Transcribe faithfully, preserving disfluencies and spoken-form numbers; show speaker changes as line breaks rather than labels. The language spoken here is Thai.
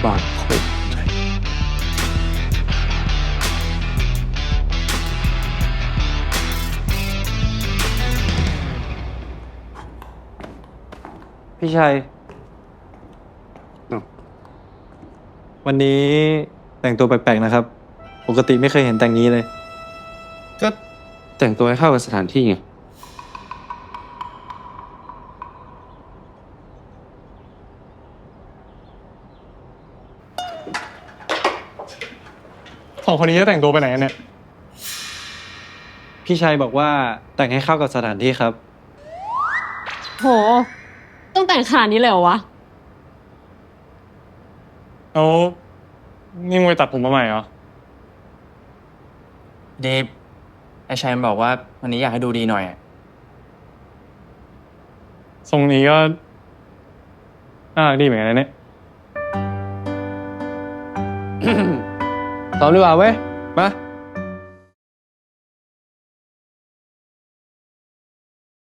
ก่อนคุย
พี่ชัย วันนี้แต่งตัวแปลกๆนะครับ ปกติไม่เคยเห็นแต่งนี้เลย
ก็แต่งตัวให้เข้ากับสถานที่ไง
สองคนนี้จะแต่งตัวไปไหนกันเนี่ย
พี่ชัยบอกว่าแต่งให้เข้ากับสถานที่ครับ
โห ต้องแต่งขนาดนี้เลยเหรอวะ
เอานี่มึงไปตัดผมมาใหม่เหรอ
เดฟไอชัยมันบอกว่าวันนี้อยากให้ดูดีหน่อยอะ
ทรงนี้ก็น่ารักดีเหมือนกันนะเนี่ย
ซ้อมดีกว่าเว้ย มา